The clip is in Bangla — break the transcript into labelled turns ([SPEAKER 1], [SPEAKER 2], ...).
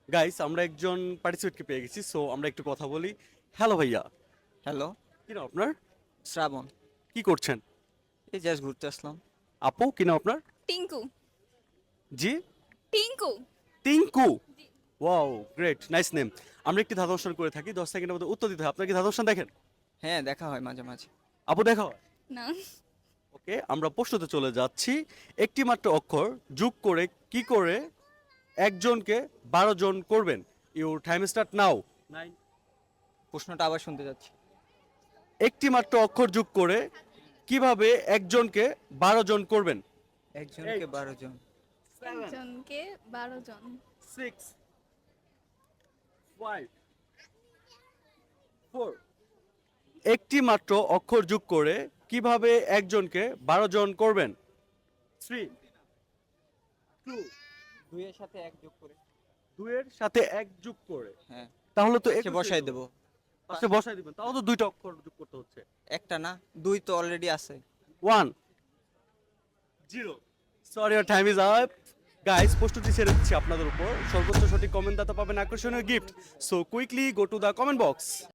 [SPEAKER 1] গাইস আমরা একজন পার্টিসিপেটকে পেয়ে গেছি, সো আমরা একটু কথা বলি। হ্যালো ভাইয়া,
[SPEAKER 2] হ্যালো,
[SPEAKER 1] কি নাম আপনার?
[SPEAKER 2] শ্রাবণ।
[SPEAKER 1] কি করছেন?
[SPEAKER 2] এই জাস্ট ঘুরতে আসলাম।
[SPEAKER 1] আপু, কি নাম আপনার?
[SPEAKER 3] টিঙ্কু।
[SPEAKER 1] জি,
[SPEAKER 3] Tinku.
[SPEAKER 1] Tinku. Wow, great, nice name. আমরা একটি ধাঁধা অনুষ্ঠান করে থাকি, 10 সেকেন্ডের মধ্যে উত্তর দিতে হয়। আপনার কি ধাঁধা অনুষ্ঠান দেখেন?
[SPEAKER 2] হ্যাঁ, দেখা হয় মাঝে মাঝে।
[SPEAKER 1] আপু দেখা হয়?
[SPEAKER 3] না।
[SPEAKER 1] ওকে, আমরা প্রশ্নতে চলে যাচ্ছি। একটি মাত্র অক্ষর যোগ করে কি করে একজনকে 12 জন করবেন? Your time start now.
[SPEAKER 2] প্রশ্নটা আবার শুনতে যাচ্ছি।
[SPEAKER 1] একটি মাত্র অক্ষর যোগ করে কিভাবে একজনকে 12 জন করবেন?
[SPEAKER 2] একজনকে 12 জন।
[SPEAKER 3] একজনকে 12 জন।
[SPEAKER 1] 6 5 4। একটি মাত্র অক্ষর যোগ করে কিভাবে একজনকে 12 জন করবেন? 3 2।
[SPEAKER 2] 2 এর সাথে 1 যোগ করে।
[SPEAKER 1] 2 এর সাথে 1 যোগ করে,
[SPEAKER 2] হ্যাঁ,
[SPEAKER 1] তাহলে তো
[SPEAKER 2] সে বসাই দেব।
[SPEAKER 1] পাশে বসাই দিবেন, তাও তো দুইটা অক্ষর যোগ করতে হচ্ছে।
[SPEAKER 2] একটা না, 2 তো অলরেডি আছে।
[SPEAKER 1] 1 0। Sorry, your time is up. Guys, প্রস্তুতি ছেড়ে দিচ্ছি আপনাদের উপর। সর্বোচ্চ সঠিক কমেন্ট দাতা পাবেন আকর্ষণীয় gift. So quickly go to the comment box.